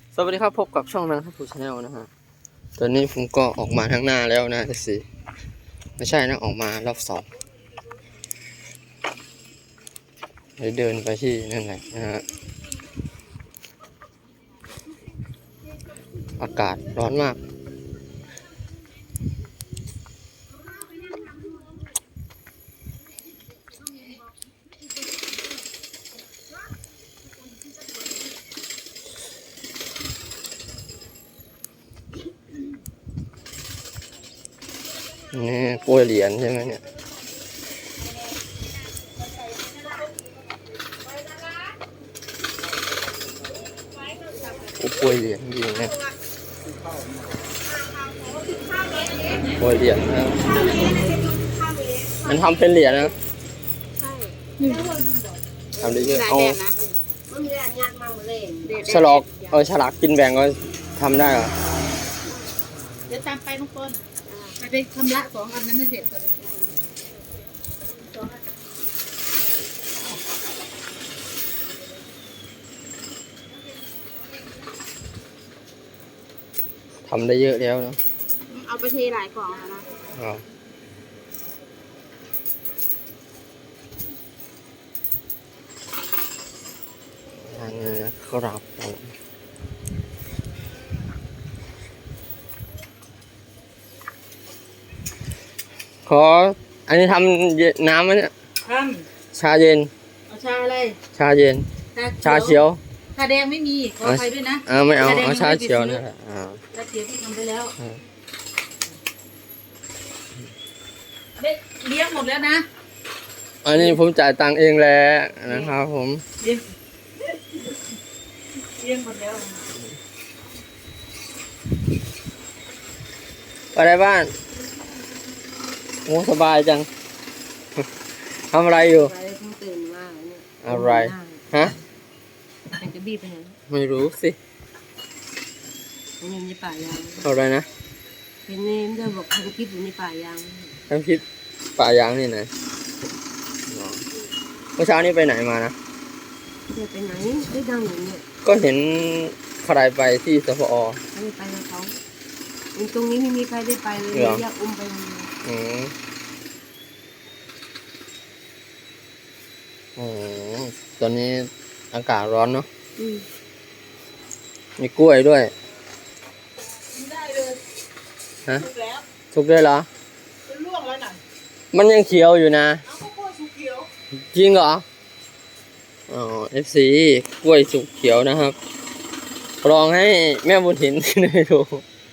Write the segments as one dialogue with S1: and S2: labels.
S1: สวัสดีครับพบกับช่องนะครับผู้ชาแนลนะฮะตอนนี้ผมก็ออกมาข้างหน้าแล้วนะสิไม่ใช่นะออกมารอบสองเดินไปที่นั่นแหละนะฮะอากาศร้อนมากนี่กล้วยเหรียญใช่ไหมเนี่ยกล้วยเหรียญจริงนะกล้วยเหรียญนะมันทำเป็นเหรียญนะทำได้เยอะเอาฉลากฉลากกินแบ่งก็ทำได้เหรอ
S2: เดี๋ยวตามไปทุกคนไปชำระ2 อันนั้นให้เสร็จก่อน
S1: ทำได้เยอะแล้วนะ
S2: เอาไปเทหลายกล่องแล้วนะ
S1: อันนี้ครับขออันนี้ทำน้ำไหมเนี่ยชาเย็น
S2: เอาชาอะไร
S1: ชาเย็นชาเขียว
S2: ชาแดงไม่มีขอไปด้วยนะ
S1: ไม่เอาชาเขียวนี่แหละ
S2: ชาเขียวที่ทำไปแล้วเลี้ยงหมดแล้วนะ
S1: อันนี้ผมจ่ายตังค์เองแล้วนะครับผม
S2: เลี้ยงหมดแล้ว
S1: ไปได้บ้านโอ้สบายจังทำอะไรอยู่
S2: ตื่นมาเนี่ย
S1: อะไรฮะ
S2: จะบีบไปไหน
S1: ไม่รู้สิ
S2: มันอยู่ในป่ายาง
S1: อะไรนะ
S2: เป็นเนมด้วยบอกทำคลิปอยู่ในป่ายาง
S1: ทำคลิปป่ายางนี่ไหนเมื่อเช้านี้ไปไหนมานะ
S2: ไปไหนได้ดังอย่างเนี้ย
S1: ก็เห็นใครไปที่สพอ
S2: ไม่ไปกับเขาตรงนี้ไม่มีใครได้ไปเลยอยากอุ้มไป
S1: ตอนนี้อากาศร้อนเนาะมีกล้วยด้วย
S2: ได้เลย
S1: ฮะสุกได้เหรอ
S2: เป็นล่วงแล้วน่ะ
S1: มันยังเขียวอยู่นะ
S2: เอากล้วยสุกเขียว
S1: จริงเหรอFC กล้วยสุกเขียวนะครับลองให้แม่บุญถิ่นได้ดู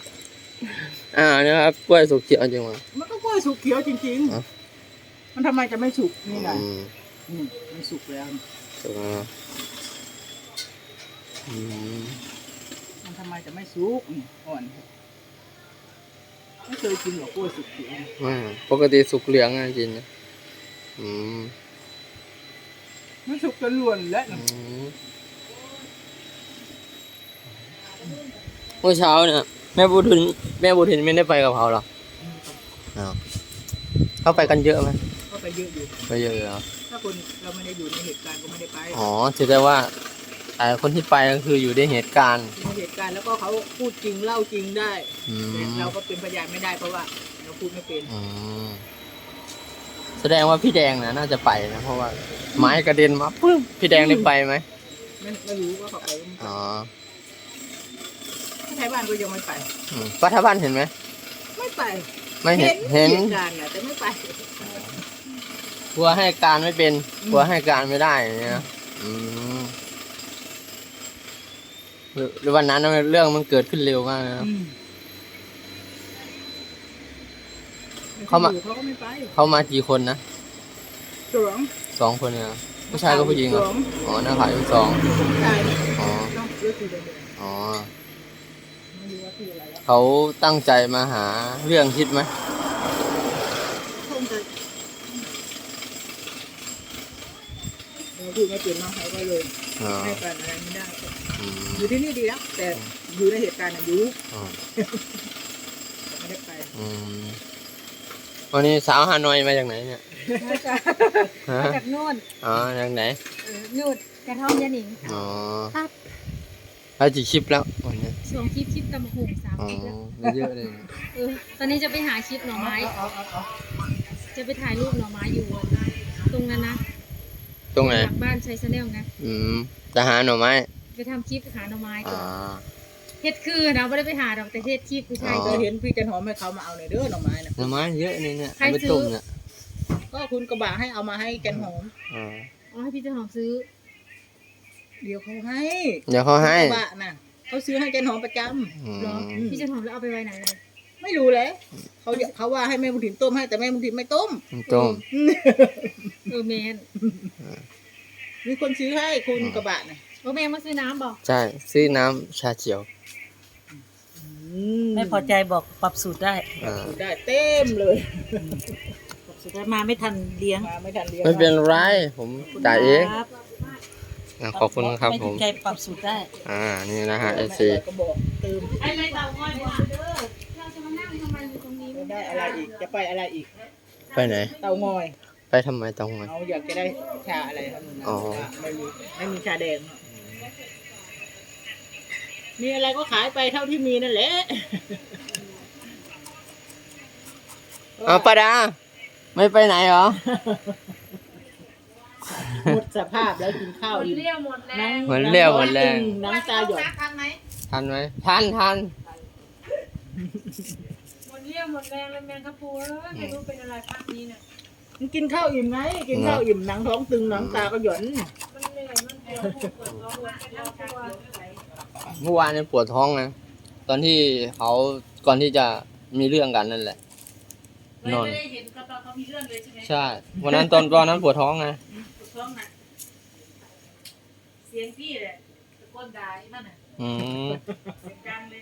S1: นะครับกล้วยสุกเขียวจริงมั้ย
S2: มันก็กล้วยสุกเขียวจริงๆมันทำไมจะไม่สุกนี่ไงมันสุกแล้ว
S1: สุกแล้ว
S2: มันทำไมจะไม่สุกอ่อนไม่เคยกินหรอกกล้วยสุกเขียว
S1: ปกติสุกเหลืองนะกินนะ
S2: มันสุกจนล้วนแล้ว
S1: เมื่อเช้าเนี่ยแม่บุญถิ่นไม่ได้ไปกับเขาหรอเขาไปกันเยอะไหม
S2: ก็ไปเยอะอยู่
S1: ไปเยอะเหรอ
S2: ถ้าคนเราไม่ได้อยู่ในเหตุการณ์ก็ไม่ได้ไป
S1: ถือได้ว่าคนที่ไปก็คืออยู่ในเหตุการณ์
S2: แล้วก็เขาพูดจริงเล่าจริงได้แต่เราก็เป็นพยานไม่ได้เพราะว่าเราพูดไม่เป็น
S1: แสดงว่าพี่แดงนะน่าจะไปนะเพราะว่าไม้กระเด็นมาปึ๊บพี่แดงได้ไปไหม
S2: ไม่รู้ว่าเขาไปไทยบ้านก็ยังไม่ไป
S1: ป้าท่าบ้านเห็นไหม
S2: ไม่ไป
S1: ไม่เห็น
S2: การนะแต่ไม่ไป
S1: กลัวให้การไม่เป็นกลัวให้การไม่ได้เนี่ยหรือวันนั้นเรื่องมันเกิดขึ้นเร็วมากนะเขามากี่คนนะ2 คนเนี่ยผู้ชายก็ผู้หญิงเหรอหน้าขาย2เขาตั้งใจมาหาเรื่องคิดไหม
S2: พูดไม่เป็นน้องเขาก็เลยให้การอะไรไม่ได้อยู่ที่นี่ดีแล้วแต่อยู่ในเหตุการณ์อยู่ไม่ได้ไป
S1: วันนี้สาวฮานอยมาจากไหนเนี่ย
S2: มาจากนู่น
S1: จากไหน
S2: นู่นกระท่อมยาหนิง
S1: ครับแล้วกี่คลิปแล้ววันนี้
S3: ช่วงคลิปตำบักหุ่ง3
S1: อ๋อ
S3: คลิปแล้ว
S1: ไม่เยอะเลย
S3: ตอนนี้จะไปหาคลิปหน่อไม้ จะไปถ่ายรูปหน่อไม้อยู่ตรงนั้นนะ
S1: ตรงไหน
S3: หลังบ้านชัยชาแนลนะ
S1: จะหาหน่อไม้
S3: ไปทำคลิปหาหน่อไม้
S1: อ่า
S3: เฮ็ดคือนะไม่ได้ไปหาดอกแต่เฮ็ดคลิปผู้ชาย
S1: อ๋อ
S2: เคยเห็นพี่จันหอมให้เขามาเอาหน่อยเด้อหน่อไม้นะ
S1: หน่อไม้เยอะเลยเนี่ย
S3: ใคร
S1: เอาไป
S3: ซื้อ
S1: ต้มเนี่ย
S2: ก็คุณกระบะให้เอามาให้จันหอม
S1: อ่า
S3: อ๋อให้พี่เจ้าหอมซื้อ
S2: เดี๋ยวเขาให้
S1: เดี๋ยวเขาให้
S2: กระบะน่ะเขาซื้อให้จันหอมประจ
S1: อืม
S3: เหรอพี่เจ้าหอมแล้วเอาไปไว้ไหนเลย
S2: ำไม่รู้เลยเขาว่าให้แม่บุญถิ่นต้มให้แต่แม่บุญถิ่นไม่ต้ม
S1: ต้ม
S3: แมน
S2: มีคนซื้อให้คุณกระบะน่ะ
S3: แม่มาซื้อน้ำบอก
S1: ใช่ซื้อน้ำชาเขียว
S4: ไม่พอใจบอกปรับสูตรได้
S1: อ่า
S2: ได้เต็มเลย
S4: ปรับสูตรได้มาไม่ทันเลี้ยง
S2: มาไม่ทันเรียน
S1: ไม่เป็นไรผมจ่ายเอง
S4: ครับ
S1: ขอบคุณครับ
S4: ไม่
S1: ผ
S4: ถูก
S1: ม
S4: ใจปรับสูตรได้
S1: นี่นะฮะ
S2: ไม่
S1: FC
S2: ก็บอกเติม
S4: ไอ้ไม่เตาง่อยมาเด้อ
S3: เราจะมานั่งทำไมอยู่ตรงนี้
S2: ไม่ได้อะไรอีกจะไปอะไรอีก
S1: ไปไหน
S2: เตางอย
S1: ไปทำไมต้องมา
S2: เอาอยากจะได้ชาอะไรครับนะ
S1: อ๋อ
S2: ไม่มีชาแดงมีอะไรก็ขายไปเท่าที่มีนั่นแหละ
S1: เอาป้าดาไม่ไปไหนเหรอ
S2: หมดสภาพแล้วกินข้าวอิ่ม
S3: เรียวหมดแล้ว
S1: เหมือนเรียวหมดแรง
S2: น้ำตาหยด
S3: ทันไหม
S1: ทันไหมทัน
S3: หมดเรียวหมดแรงเลยแมงกะพรุนไม่รู้เป็นอะไรภาคนี้เนี่ย
S2: มันกินข้าวอิ่มไหมกินข้าวอิ่มหนังท้องตึงน้ำตาก็หย่อน
S3: มันเหนื่อยมันปวดปวดท้องปวดทั้งตัว
S1: เมื่อวานเนี่ยปวดท้องนะตอนที่เขาก่อนที่จะมีเรื่องกันนั่นแหละ นอน
S4: ไม่ได้เห็นก็ตอนเขามีเรื่องเลยใช่ไหม
S1: ใช่วันนั้นตอนนั้นปวดท้องนะ
S4: ถูกต้องนะเสียงพี่แหละตะโกนด่าไอ้นั่นน่ะ
S1: อืม
S4: เสียงดังเลย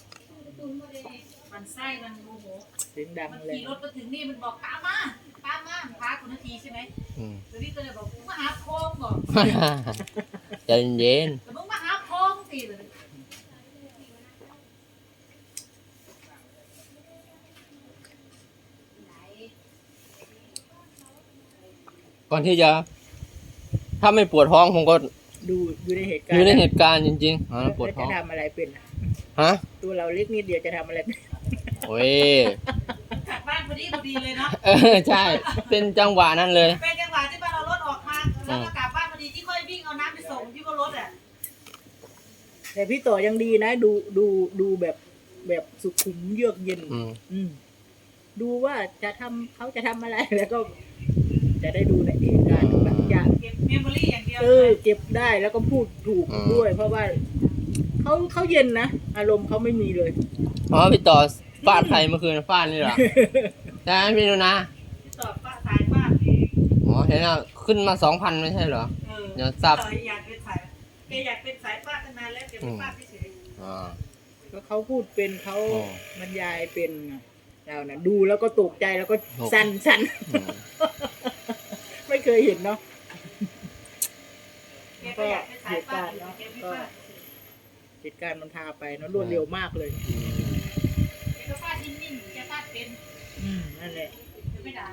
S4: มันไส้มันโมโห
S2: เสียงดัง
S4: มัน
S2: เลย
S4: ขี่รถมาถึงนี่มันบอกตามมาพาคุณนาทีใช่ไหม
S1: อืม
S4: ตัวนี้ก็เลยบอกมึงมาหาโค้งบอก
S1: ใจเย็น
S4: แต่มึงมาหาโค้งสิเลย
S1: ก่อนที่จะ ถ้าไม่ปวดท้องผมก็
S2: ดูอยู่ในเหตุการ
S1: อ
S2: ณ์
S1: ยู่ในเหตุการณ์จริงๆปวด
S2: แล้ว
S1: ท้
S2: จะ
S1: อง
S2: ทำอะไรเป็น
S1: ฮะ
S2: ตัวเราเล็กนิดเดียวจะทำอะไรเป็น
S1: โอ้ย
S4: จากบ้านพอดีเลยเนาะ
S1: ใช่ เป็นจังหวะนั้นเลย
S4: เป็นจังหวะที่บ้านเรารถออกมาแล้วก็กลับบ้านพอดีที่ค่อยวิ่งเอาน้ำไปส่งที่ว่ารถอ่ะ
S2: แต่พี่ต่อยังดีนะ ดูแบบสุขุมเยือกเย็น
S1: อืม
S2: อืมดูว่าเขาจะทำอะไรแล้วก็ จะได้ดูในเหตุการณ์แบบจะ
S4: เก็บเมมโมรี่อย่างเดียว
S2: เก็บได้แล้วก็พูดถูกด้วย เพราะว่าเขาเย็นนะอารมณ์เขาไม่มีเลย
S1: อ๋อพี่ต่อฟาดใครเมื่อคืนฟาดนี่เหรอใช่ไหมพี่นุนะ
S4: ตอบป้าสายป้า
S1: อ๋อเห็นแล้วขึ้นมา 2,000ไม่ใช่เหรอ เดี๋ยวซับ
S4: ต่ออยากเป็นสายแกอยากเป็นสายป้าตั้งนานแล้วแกเป็นป้าที่เฉย
S1: อ่า
S2: ก็เขาพูดเป็นเขา
S1: อ๋อ
S2: บรรยายเป็นไงเรานะดูแล้วก็ตกใจแล้วก็สั่น
S1: อืม
S2: ไม่เคยเห็นเนาะ
S4: แกก็อยากเป็นสายป้าอยู่แกไม่ป้า
S2: เหตุการณ์มันพาไปเนาะรวดเร็วมากเลย
S4: แกก็ป้านิ่งๆแกป้าเป็น
S2: นั่นแหละ
S4: ไม่ด่า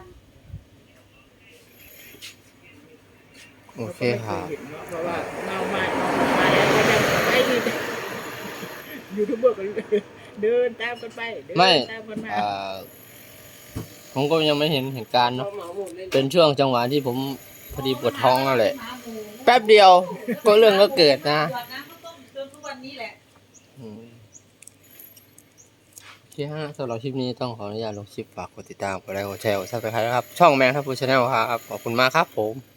S1: โอเคครับ
S2: ราก็ไม่ยเห็นเนาะเพราะว่าเมามาแล้วก็จะไอ้นี่ยูทูบเบอร์ก็เดินตามกันไปเดิน
S1: ไม่
S2: ตามกันมา
S1: ผมก็ยังไม่เห็นเหตุการณ์เนาะ เป็นช่วงจังหวะที่ผมพอดีปวดท้องนั่นแหละ แป๊บเดียวก็เรื่องก็เกิดนะ
S4: ตรวจนะเขาต้มจนทุกวันนี้แหละ
S1: อืมโอเคฮะสำหรับคลิปนี้ต้องขออนุญาตลงคลิปฝากกดติดตามกดไลค์กดแชร์กดซับสไครต์นะครับ ช่องแมงทัพพูชาแนลครับ ขอบคุณมากครับผม